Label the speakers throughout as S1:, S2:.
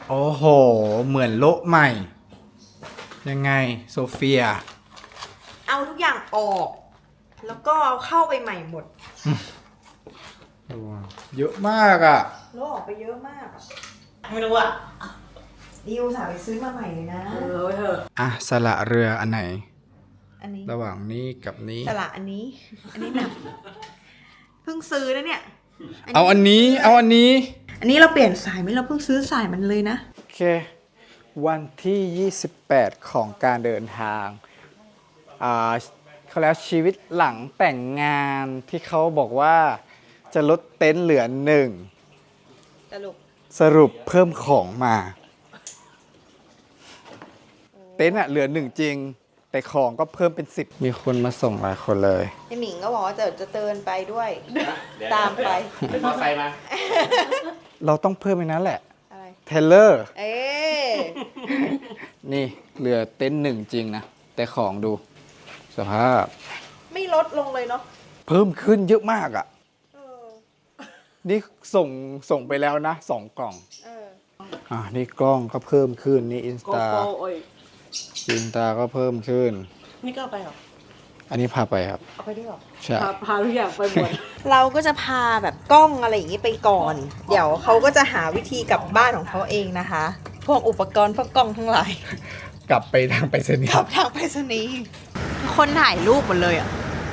S1: โอ้โหเหมือนโลกใหม่ยังไงโซเฟีย
S2: เอาทุกอย่างออก แล้วก็เอาเข้าไปใหม่หมด
S1: เยอะมากอ่ะ
S2: โลกออกไปเยอะมากอะไม่รู้อะดิวสาวไปซื้อมาใหม่เลยนะเถอะ
S1: อ่ะสละเรืออันไหน
S2: อันนี้
S1: ระหว่างนี้กับนี้
S2: สละอันนี้หนักเพิ่งซื้อนะเนี่ย
S1: เอาอันนี้
S2: อันนี้เราเปลี่ยนสายไหมเราเพิ่งซื้อสายมันเลยนะ
S1: โอเควันที่28ของการเดินทางเขาแล้วชีวิตหลังแต่งงานที่เขาบอกว่าจะลดเต็นท์เหลือ1สรุปเพิ่มของมาเต็นท์เหลือ1จริงแต่ของก็เพิ่มเป็น10มีคนมาส่งหลายคนเลย
S2: ไอหมิงก็บอกว่าจะเตือนไปด้วยตามไป
S3: มอไซค์มา
S1: เราต้องเพิ่มอีกนั้นแหละ
S2: อะไร
S1: เทเลอร์
S2: นี่
S1: นี่เหลือเต็นท์1จริงนะแต่ของดูสภาพ
S2: ไม่ลดลงเลยเนาะ
S1: เพิ่มขึ้นเยอะมากอ่ะนี่ส่งไปแล้วนะ2 กล่องนี่กล้องก็เพิ่มขึ้นนี่อินสตาก็เพิ่มขึ้น
S2: นี่ก็เอาไปหรอ
S1: อันนี้พาไปครับ
S2: เอาไปด้วยหรอ
S1: ใช่
S2: พาทุกอย่างไปหมดเราก็จะพาแบบกล้องอะไรอย่างนี้ไปก่อนเดี๋ยวเขาก็จะหาวิธีกลับบ้านของเขาเองนะคะพวกอุปกรณ์พวกกล้องทั้งหลาย
S1: กลับไปทางไปรษณีย์
S2: กลับทางไปรษณีย์คนถ่ายรูปหมดเลยอ่ะ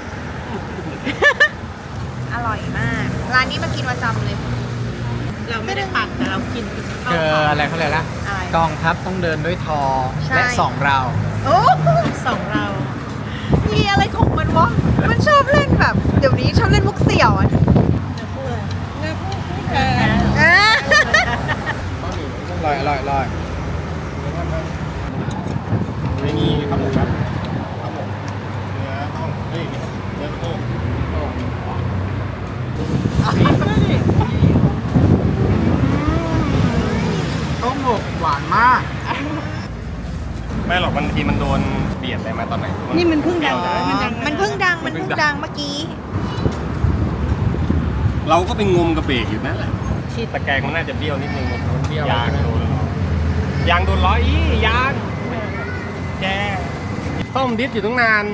S2: อร่อยมากร้านนี้มากินประจำเลยเราไม่ได้ปั่นแต่เรากิน
S1: คืออะไรเขาเลยนะกองทัพต้องเดินด้วยทอและ2เรา
S2: โอ้2เรามีอะไรของมันวะมันชอบเล่นแบบเดี๋ยวนี้ชอบเล่นมุกเสี่ยวอ่ะ
S1: อร่อย
S3: ไม่มีครับผมครับครับผมเนื้อต้องเฮ้ยเนื้อโค้ง
S1: ต้มหมกหวานมาก
S3: ไม่หรอกบางทีมันโดนเบียดอะไรมาตอนไหน
S2: นี่มันเพิ่งดังมันเพิ่งดังเมื่อกี้
S3: เราก็ไปงมกระเบรกอยู่นั่นแหละที่ตะแกรงมันน่าจะเบี้ยวนิดนึงยางโดนล้ออียางแกซ่อมดิสอยู่ตั้งนาน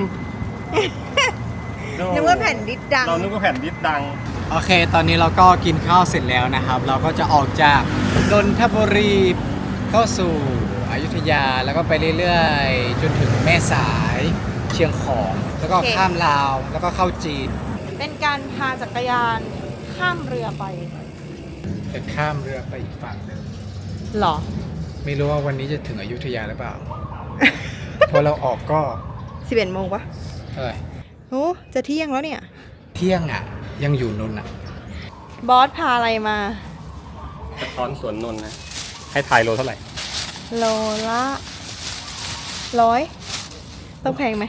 S2: นึกว่าแผ่นดิสดัง
S3: เรานึกว่าแผ่นดิสดัง
S1: โอเคตอนนี้เราก็กินข้าวเสร็จแล้วนะครับเราก็จะออกจากนนทบุรีเข้าสู่อยุธยาแล้วก็ไปเรื่อยๆจนถึงแม่สายเชียงของแล้วก็ข้ามลาวแล้วก็เข้าจีน
S2: เป็นการพาจักรยานข้ามเรือไป
S1: จะข้ามเรือไปอีกฝั่งนึง
S2: หรอ
S1: ไม่รู้ว่าวันนี้จะถึงอยุธยาหรือเปล่า พอเราออกก็
S2: 11 โมงปะโอ้จะเที่ยงแล้วเนี่ย
S1: เที่ยงอ่ะยังอยู่นนท์อ่ะ
S2: บอสพาอะไรมาก
S3: ระท้อนสวนนนท์นะให้ทายโลเท่าไหร่
S2: โลละ100ต้องแพงไหม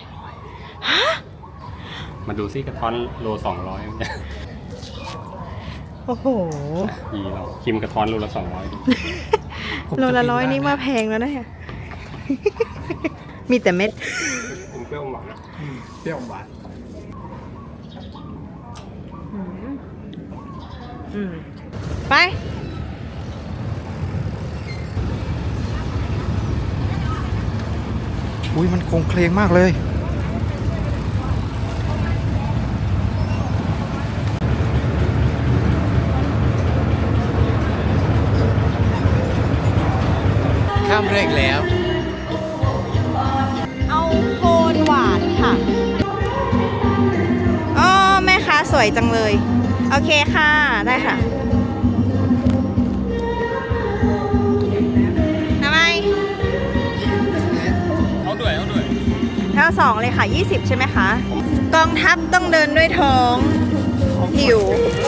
S3: มาดูซิกระท้อนโล200มันจะ
S2: โอ้โห
S3: เราคิมกระท้อนโลละ200
S2: โลละ100นี่มาแพงแล้วนะเนี่ยมีแต่เม็ด
S3: เปรี้ยวหวาน
S1: เปรี้ยวหวาน
S2: ไป
S1: อุ้ยมันโคงเคลงมากเลยข้ามเร่งแล้ว
S2: เอาโคนหวานค่ะอ๋อแม่ค้าสวยจังเลยโอเคค่ะได้ค่ะทำไม
S3: เอาด้วย
S2: แล้ว2เลยค่ะ20ใช่ไหมคะกองทัพต้องเดินด้วยท้องหิว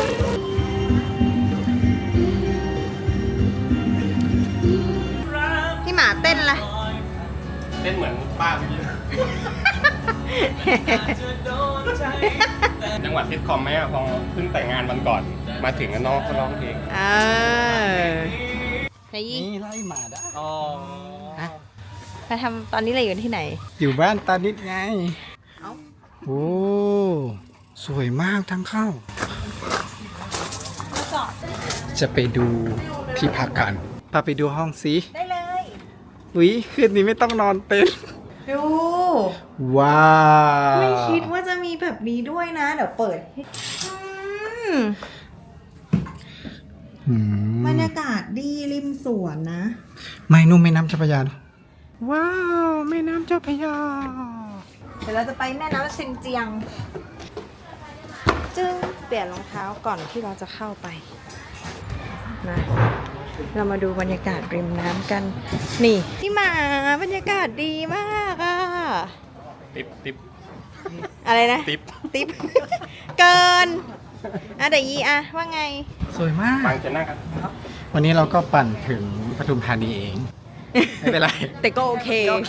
S2: พี่หมาเต้นอะไร
S3: เต้นเหมือนป้าเมื่อกี้จังหวัดซิทคอมไหมอะพอเพิ่งแต่งงานวันก่อนมาถึงน้องก็ร้องเพลง
S1: นี่ไล่หมาได้
S2: มาทำตอนนี้เราอยู่ที่ไหน
S1: อยู่บ้านตานิดไงโอ้สวยมากทางเข้าจะไปดูที่พักกันพาไปดูห้องสิ
S2: ได้เลย
S1: อุ๊ยคืนนี้ไม่ต้องนอนเต็นท์
S2: ดู
S1: ว้าว
S2: ไม่คิดว่าจะมีแบบนี้ด้วยนะ เดี๋ยวเปิดให้บรรยากาศดีริมสวนนะ
S1: ไม่นุ่มแม่น้ำเจ้าพระยาเนอะว้าวแม่น้ำเจ้าพระยา
S2: เดี๋ยวเราจะไปแม่น้ำซินเจียง จึงเปลี่ยนรองเท้าก่อนที่เราจะเข้าไปนะเรามาดูบรรยากาศริมน้ำกัน นี่ที่มาบรรยากาศดีมากอะ
S3: ติ๊บ
S2: อะไรนะ
S3: ติ๊บ
S2: ติ๊บ เกินเดี๋ยวยีอะว่าไง
S1: สวยมาก
S3: ฟังจะนั่งกัน
S1: วันนี้เราก็ปั่นถึงปทุมธานีเอง ไม่เป็นไร
S2: แต่ก็โอเค
S1: ก็โอเค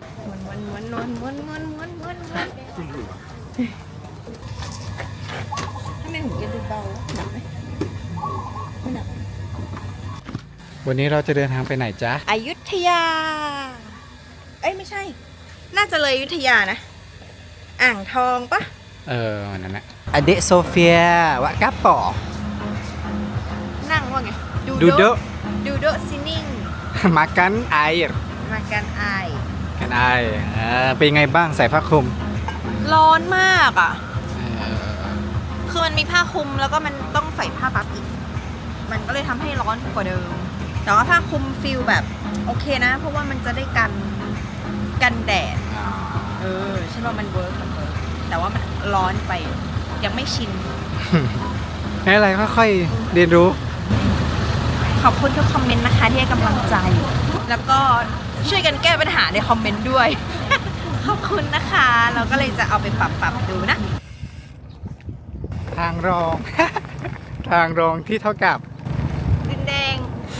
S2: ทำไมหูแกดูเบาหนักไหมไม่หนัก
S1: วันนี้เราจะเดินทางไปไหนจ๊ะ
S2: อยุธยา เอ้ยไม่ใช่ น่าจะเลยอยุธยานะ อ่างทองปะ
S1: นั่นแหละอเดโซเฟียวะกัปปอ
S2: นั่งว่าไง
S1: ดูโด
S2: ดูโดซินิ่ง
S1: มากันไอร์
S2: มากันไอาย
S1: กันไอเป็นไงบ้างใส่ผ้าคลุม
S2: ร้อนมากอ่ะ คือมันมีผ้าคลุมแล้วก็มันต้องใส่ผ้าปั๊บอีก มันก็เลยทำให้ร้อนกว่าเดิม แต่ว่าผ้าคลุมฟิลแบบโอเคนะ เพราะว่ามันจะได้กันแดด ใช่ป่ะมันเวิร์กแต่ว่ามันร้อนไป ยังไม่ชิน
S1: ไม่อะไรค่อยๆเรียนรู้
S2: ขอบคุณทุกคอมเมนต์นะคะที่ให้กำลังใจ แล้วก็ช่วยกันแก้ปัญหาในคอมเมนต์ด้วย ขอบคุณนะคะ เราก็เลยจะเอาไปปรับดูนะ
S1: ทางรอง ทางรองที่เท่ากับ
S2: ดินแดง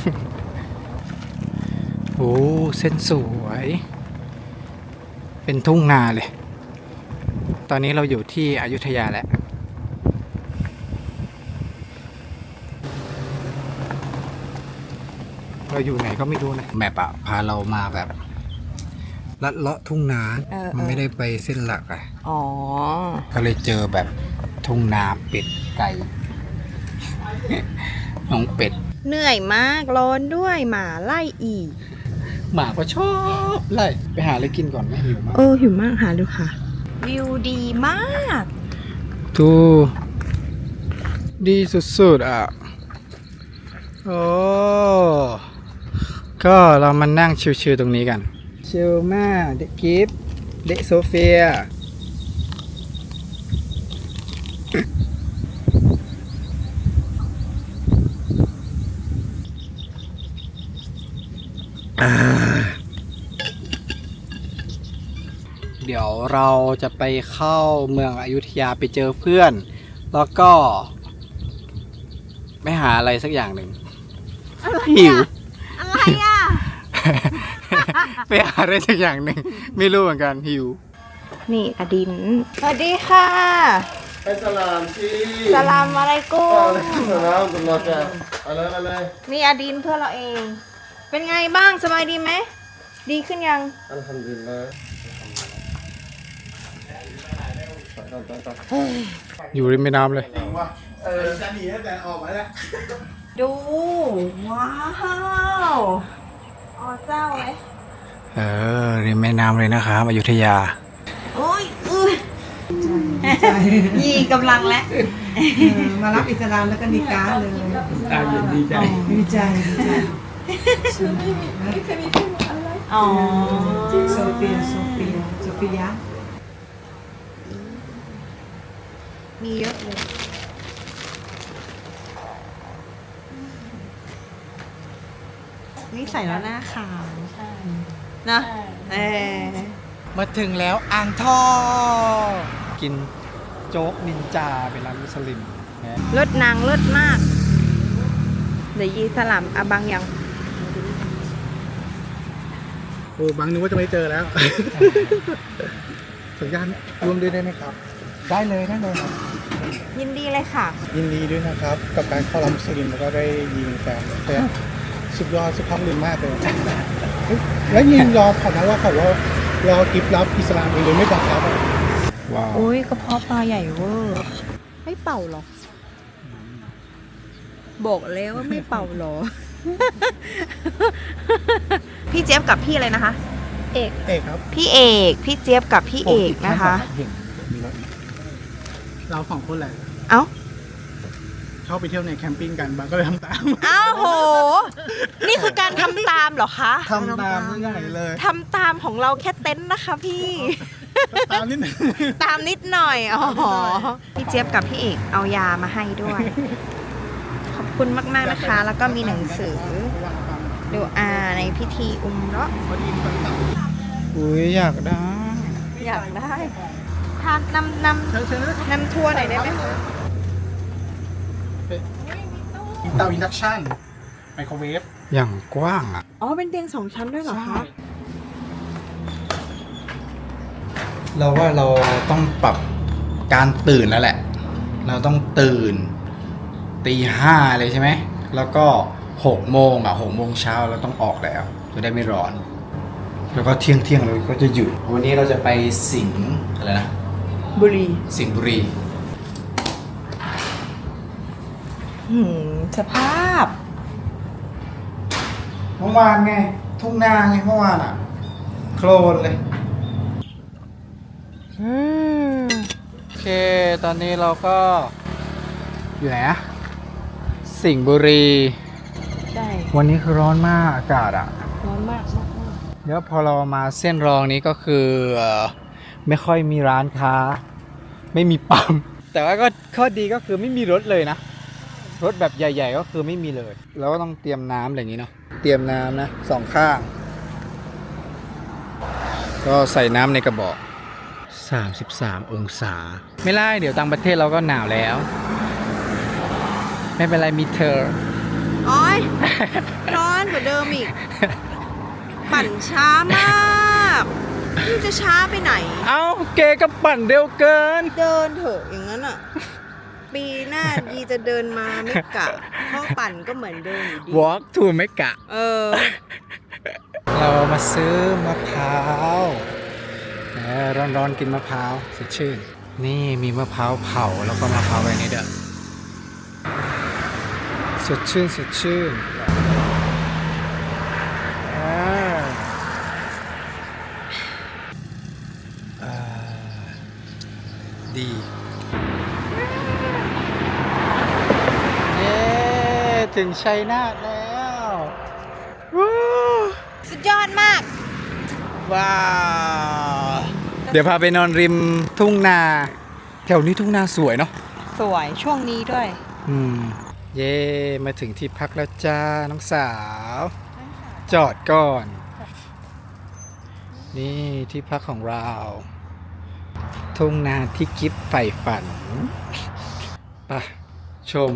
S1: โอ้เส้นสวย เป็นทุ่งนาเลย ตอนนี้เราอยู่ที่อยุธยาแล้ว เราอยู่ไหนก็ไม่รู้นะแมปอะพาเรามาแบบลัดเลาะทุ่งนา มันไม่ได้ไปเส้นหลักอะ
S2: อ๋อ
S1: ก็เลยเจอแบบทุ่งนาเป็ดไก่ น้องเป็ด
S2: เหนื่อยมากร้อนด้วยหมาไล่อีก
S1: หมาก็ชอบไล่ไปหาอะไรกินก่อนไหมหิวมาก
S2: หิวมากหาดูค่ะ วิวดีมาก
S1: ดูดีสุดๆอ่ะ โอ้ก็เรามานั่งชิวๆตรงนี้กัน ชิลมากเด็กกิฟต์เด็กโซเฟีย เดี๋ยวเราจะไปเข้าเมืองอยุธยาไปเจอเพื่อน แล้วก็ไปหาอะไรสักอย่างหนึ่งหิว
S2: อะไรอ่ะ
S1: ไปหาอะไรสักอย่างหนึ่งไม่รู้เหมือนกันหิว
S2: นี่อดิน สวัสดีค่ะ
S3: ไปสลามสิ
S2: สลามอะไรกุ้ง
S3: สลามตุลลอฮ์จ้ะอะไร
S2: นี่อดินเพื่อนเราเอง เป็นไงบ้างสบายดีไหม ดีขึ้นยัง
S3: อัลฮัมดุลิลลาห์
S1: อยู่ริมแม่น้ำเลย
S2: ดู ว้าวอ๋อเจ้าไหม
S1: ริมแม่น้ำเลยนะครับอยุธยา
S2: โอ้ยยีกำลังแล้ว
S4: มารับอิสลามแล้วก็นิกาเลย
S1: ดีใจ
S4: ดีใจ
S2: อ๋อ
S4: โซเฟีย
S2: มีเยอะเลย นี่ใส่แล้วหน้าขาวนะ
S1: มาถึงแล้วอ่างทองกินโจ๊กนินจาเป็นร้านมุสลิมนะ
S2: เลิศนางเลิศมาก เดี๋ยวยีสลัมอาบังยัง
S1: โอ้บางนึกว่าจะไม่เจอแล้ว สัญญาณรวมด้วยได้ไหมครับ ได้เลยครับ
S2: ยินดีเลยค่ะ
S5: ยินดีด้วยนะครับ กับการเข้ารับมุสลิมแล้วก็ได้ยิงแฟนแต่สุดยอดสุภาพบุรุษมากเลยเฮ้ยแล้วยิงรอเขานะว่าเขาว่ารอกิฟต์รับอิสลามเองโดยไม่บังคับอะ
S1: ว้าว
S2: โอ้ยกระเพาะปลาใหญ่เวอร์ ไม่เป่าหรอ บอกแล้วว่าไม่เป่าหรอพี่เจี๊ยบกับพี่อะไรนะคะ
S5: เอกครับ
S2: พี่เอกพี่เจี๊ยบกับพี่เอกนะคะ
S5: เห็นมีรถเราสองคนแหละ
S2: เอ้า
S5: ชอบไปเที่ยวในแคมปิ้งกันบางก็เลยทำตาม
S2: อ้าวโห นี่คือการทำตามเหรอคะ
S5: ทำตามไม่ใหญ่เลย
S2: ทำตามของเราแค่เต็นท์นะคะพี่
S5: ตามนิดนึง
S2: ตามนิดหน่อย อ๋อ พี่เจี๊ยบกับพี่เอกเอายามาให้ด้วย ขอบคุณมากๆนะคะ แล้วก็มีหนังสือดูอาในพิธีอุมเราะห์
S1: อุ้ยอยากได้
S2: อยากได้ทานนำทัวร์หน่อยได้ไหมคะ
S5: เตาอินดักชันไมโครเวฟ
S1: อย่างกว้างอ่ะ
S2: อ๋อ เป็นเตียง2 ชั้นด้วยเหรอคะ
S1: เราว่าเราต้องปรับการตื่นแล้วแหละ เราต้องตื่นตี 5เลยใช่ไหม แล้วก็6 โมง6 โมงเช้าเราต้องออกแล้ว จะได้ไม่ร้อน แล้วก็เที่ยงเราก็จะหยุด วันนี้เราจะไปสิงห์อะไรนะ
S2: บุรี
S1: สิงห์บุรี
S2: สภาพ
S1: เมื่อวานไง ทุ่งนาไงเมื่อวานอ่ะ โคลนเลย โอเค ตอนนี้เราก็อยู่ไหนอะสิงห์บุรี
S2: ใช่
S1: วันนี้คือร้อนมากอากาศอ่ะ
S2: ร้อนมาก
S1: เดี๋ยวพอเรามาเส้นรองนี้ก็คือไม่ค่อยมีร้านค้า ไม่มีปั๊ม แต่ว่าก็ข้อดีก็คือไม่มีรถเลยนะ รถแบบใหญ่ๆก็คือไม่มีเลย เราก็ต้องเตรียมน้ำอะไรอย่างนี้เนาะ เตรียมน้ำนะ2 ข้าง ก็ใส่น้ำในกระบอก 33 องศา ไม่ไล่เดี๋ยวต่างประเทศเราก็หนาวแล้ว ไม่เป็นไรมีเธอ
S2: โอ้ย ร้อนกว่าเดิมอีก ปั่นช้ามากนี่จะช้าไปไหน
S1: เอ้าเกก็ปั่นเร็วเกิน
S2: เดินเถอะอย่างนั้นอ่ะ ปีหน้าดีจะเดินมาไม่กะ เพราะปั่นก็เหมือนเดิมอยู่ดี
S1: walk to ไม่กะ
S2: เออ
S1: เรามาซื้อมะพร้าวร้อนๆกินมะพร้าวสดชื่น นี่มีมะพร้าวเผาแล้วก็มะพร้าวอะไรนี่เด้อสดชื่นสดชื่นดีเย้ถึงชัยนาทแล้ววู้
S2: สุดยอดมาก
S1: ว้าว เดี๋ยวพาไปนอนริมทุ่งนา แถวนี้ทุ่งนาสวยเนาะ
S2: สวยช่วงนี้ด้วย
S1: เย่มาถึงที่พักแล้วจ้า น้องสาว จอดก่อน นี่ที่พักของเรา ทุ่งนาที่กิฟใฝ่ฝันไปชม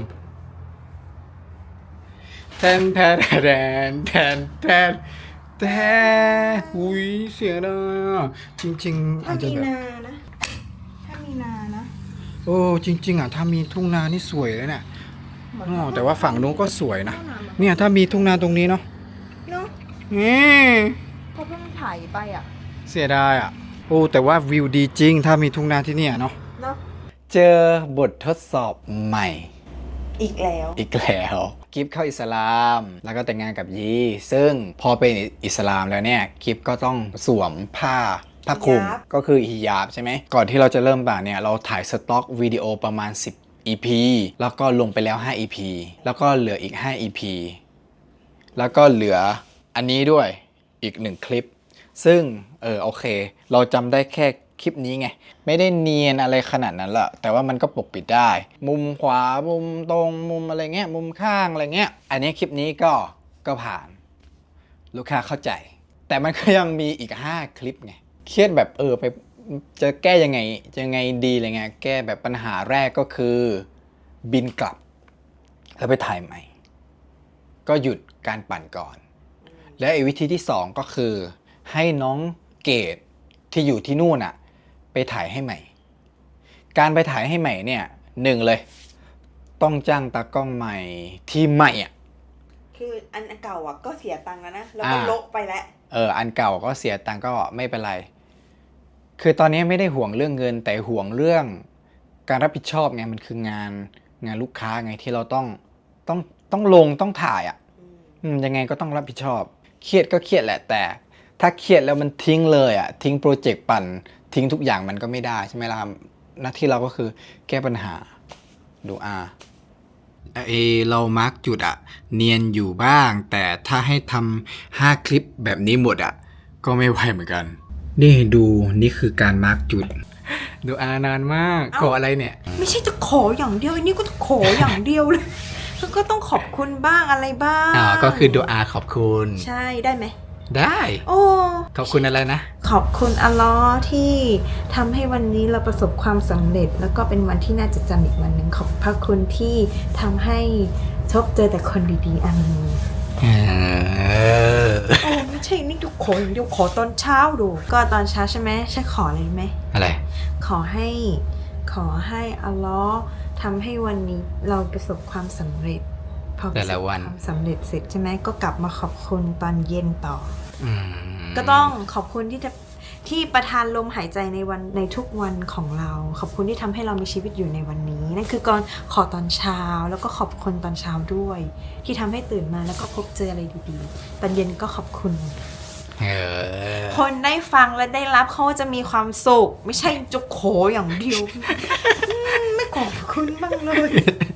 S1: แทนแทนแทนแทนแทนแทนอุ้ยเสียดายอ่ะจริงๆอาจจะแบบ
S2: ถ้ามีนานะ
S1: โอ้จริงๆอ่ะถ้ามีทุ่งนานี่สวยเลยเนี่ยอ๋อแต่ว่าฝั่งนู้นก็สวยนะเนี่ยถ้ามีทุ่งนาตรงนี้เนาะ
S2: เนาะ
S1: นี่
S2: เขาเพิ่งถ่ายไปอ่ะ
S1: เสียดายอ่ะโอ้แต่ว่าวิวดีจริง ถ้ามีทุ่งนาที่เนี่ยเนาะ
S2: เนาะ
S1: เจอบททดสอบใหม่
S2: อีกแล้ว
S1: อีกแล้วกิฟเข้าอิสลามแล้วก็แต่งงานกับยีซึ่งพอเป็นอิสลามแล้วเนี่ยกิฟก็ต้องสวมผ้าคลุม
S2: ฮิญาบ
S1: ก็คือฮิญาบใช่ไหมก่อนที่เราจะเริ่มบ่าเนี่ยเราถ่ายสต็อกวิดีโอประมาณ10 EP แล้วก็ลงไปแล้ว5 EP แล้วก็เหลืออีก5 EP แล้วก็เหลืออันนี้ด้วยอีก1 คลิปซึ่งโอเคเราจำได้แค่คลิปนี้ไงไม่ได้เนียนอะไรขนาดนั้นแหละแต่ว่ามันก็ปกปิดได้ มุมขวามุมตรงมุมอะไรเงี้ยมุมข้างอะไรเงี้ยอันนี้คลิปนี้ก็ผ่านลูกค้าเข้าใจ แต่มันก็ยังมีอีก5 คลิปไงเครียดแบบไปจะแก้ยังไงดีอะไรเงี้ยแก้แบบปัญหาแรกก็คือบินกลับแล้วไปถ่ายใหม่ก็หยุดการปั่นก่อนและอีกวิธีที่2ก็คือให้น้องเกดที่อยู่ที่นู่นอ่ะไปถ่ายให้ใหม่การไปถ่ายให้ใหม่เนี่ย1เลยต้องจ้างตากล้องใหม่ที่ใหม่อ่ะ
S2: คืออันเก่าอ่ะก็เสียตังค์แล้วนะ แล้วก็โละไปแล้ว
S1: อันเก่าก็เสียตังค์ก็ไม่เป็นไรคือตอนนี้ไม่ได้ห่วงเรื่องเงินแต่ห่วงเรื่องการรับผิดชอบไงมันคืองานลูกค้าไงที่เราต้องลงต้องถ่ายอ่ะยังไงก็ต้องรับผิดชอบ เครียดก็เครียดแหละแต่ ถ้าเครียดแล้วมันทิ้งเลยอ่ะทิ้งโปรเจกต์ปั่นทิ้งทุกอย่างมันก็ไม่ได้ใช่ไหมล่ะครับหน้าที่เราก็คือแก้ปัญหาดูเรามาร์กจุดอ่ะเนียนอยู่บ้าง แต่ถ้าให้ทำ5 คลิปแบบนี้หมดอ่ะก็ไม่ไหวเหมือนกัน นี่ดูนี่คือการมาร์กจุด ดูนานมากขออะไรเนี่ย
S2: ไม่ใช่จะขออย่างเดียวอันนี้ก็จะขออย่างเดียวเลย แล้วก็ต้องขอบคุณบ้างอะไรบ้าง
S1: ก็คือดูขอบคุณ
S2: ใช่ได้ไหม
S1: ได้
S2: โอ้
S1: ขอบคุณอะไรนะ
S2: ขอบคุณอัลเลอฮ์ที่ทำให้วันนี้เราประสบความสำเร็จ แล้วก็เป็นวันที่น่าจะจำอีกวันหนึ่งขอบพระคุณที่ทำให้ชบเจอแต่คนดีๆอามีนโอ้ไม่ใช่นี่ทุกคนเดี๋ยวขอตอนเช้าดู ก็ตอนเช้าใช่ไหมใช่ขออะไรรู้ไหม
S1: อะไร
S2: ขอให้อัลเลอฮ์ทำให้วันนี้เราประสบความสำเร็จพอประสบ
S1: แต่ละวัน
S2: ความสำเร็จเสร็จใช่ไหมก็กลับมาขอบคุณตอนเย็นต่อ
S1: อืม
S2: ก็ต้องขอบคุณที่ประทานลมหายใจในทุกวันของเรา ขอบคุณที่ทำให้เรามีชีวิตอยู่ในวันนี้นั่นคือก่อนขอตอนเช้าแล้วก็ขอบคุณตอนเช้าด้วย ที่ทำให้ตื่นมาแล้วก็พบเจออะไรดีๆตอนเย็นก็ขอบคุณ คนได้ฟังและได้รับเขาจะมีความสุขไม่ใช่จะขออย่างเดียว ไม่ขอบคุณบ้างเลย